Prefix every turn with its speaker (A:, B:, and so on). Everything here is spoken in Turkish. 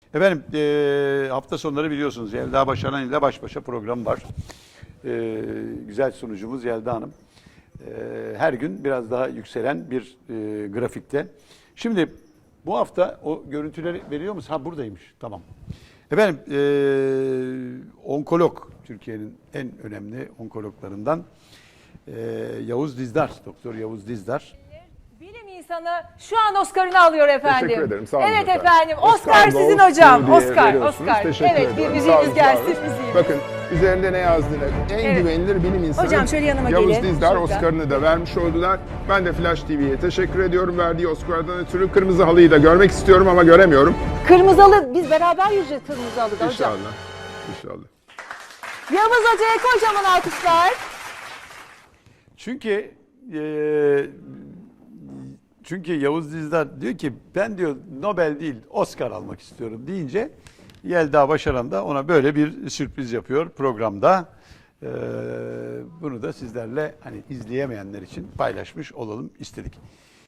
A: Efendim hafta sonları biliyorsunuz Yelda Başaran ile baş başa program var. Güzel sunucumuz Yelda Hanım. Her gün biraz daha yükselen bir grafikte. Şimdi bu hafta o görüntüleri veriyor musun? Ha buradaymış. Tamam. Efendim onkolog, Türkiye'nin en önemli onkologlarından Yavuz Dizdar, Doktor Yavuz Dizdar.
B: Bilim insanı şu an Oscar'ını alıyor efendim.
C: Teşekkür ederim. Sağ olun
B: Evet
C: efendim.
B: Oscar sizin
C: Goes
B: hocam.
C: diye
B: Oscar.
C: veriyorsunuz. Teşekkür
B: Evet,
C: ederim.
B: bir
C: Sağ olun,
B: müziğiniz gelsin,
C: sağ olun.
B: müziğimiz.
C: Bakın üzerinde ne yazdığını en
B: Evet.
C: güvenilir bilim insanı
B: Hocam şöyle yanıma
C: Yavuz
B: gelin.
C: Dizdar
B: Şurada.
C: Oscar'ını da vermiş oldular. Ben de Flash TV'ye teşekkür ediyorum. Verdiği Oscar'dan ötürü kırmızı halıyı da görmek istiyorum ama göremiyorum.
B: Kırmızı halı, biz beraber yürüyeceğiz kırmızı halıda hocam.
C: İnşallah. İnşallah.
B: Yavuz Hoca'ya kocaman alkışlar.
A: Çünkü Yavuz Dizdar diyor ki ben diyor Nobel değil Oscar almak istiyorum deyince Yelda Başaran da ona böyle bir sürpriz yapıyor programda. Bunu da sizlerle hani izleyemeyenler için paylaşmış olalım istedik.